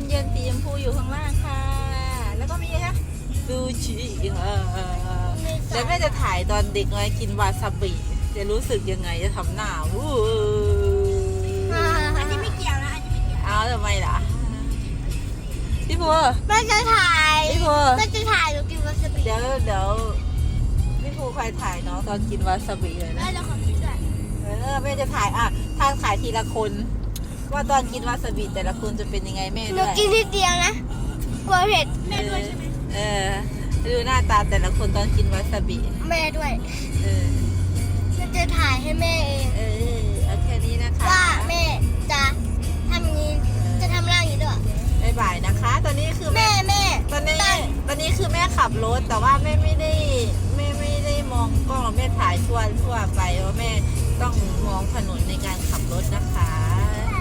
เย็นๆสีชมพูอยู่ข้างล่างค่ะ แล้วก็มีอะไรคะซูชิค่ะแล้วแม่จะถ่ายตอนเด็กไงกินวาซาบิจะรู้สึกยังไงจะทำหน้าวู้อันนี้ไม่เกี่ยวนะอันนี้ไม่เกี่ยวเอาทำไมล่ะพี่พัวแม่จะถ่ายพี่พัวแม่จะถ่ายหนูกินวาซาบิเดี๋ยวพี่พัวใครถ่ายน้องตอนกินวาซาบิเลยแม่นะเราขอคิดด้วยแม่จะถ่ายถ้าถ่ายทีละคน ว่าตอนกินวาซาบิแต่ละคนจะเป็นยังไงแม่หนูด้วยกินทีเดียวนะกลัวเผ็ดแม่ด้วยใช่ไหมดูหน้าตาแต่ละคนตอนกินวาซาบิแม่ด้วยเออแม่จะถ่ายให้แม่เองเอาแค่นี้นะคะว่าแม่จะทำอย่างนี้จะทำร่างอย่างนี้ด้วยบ๊ายบายนะคะ ตอนนี้คือแม่แม่ตอนนี้คือแม่ขับรถแต่ว่าแม่ไม่ได้มองกล้องแม่ถ่ายทั่วไปว่าแม่ต้องมองถนนในการขับรถนะคะ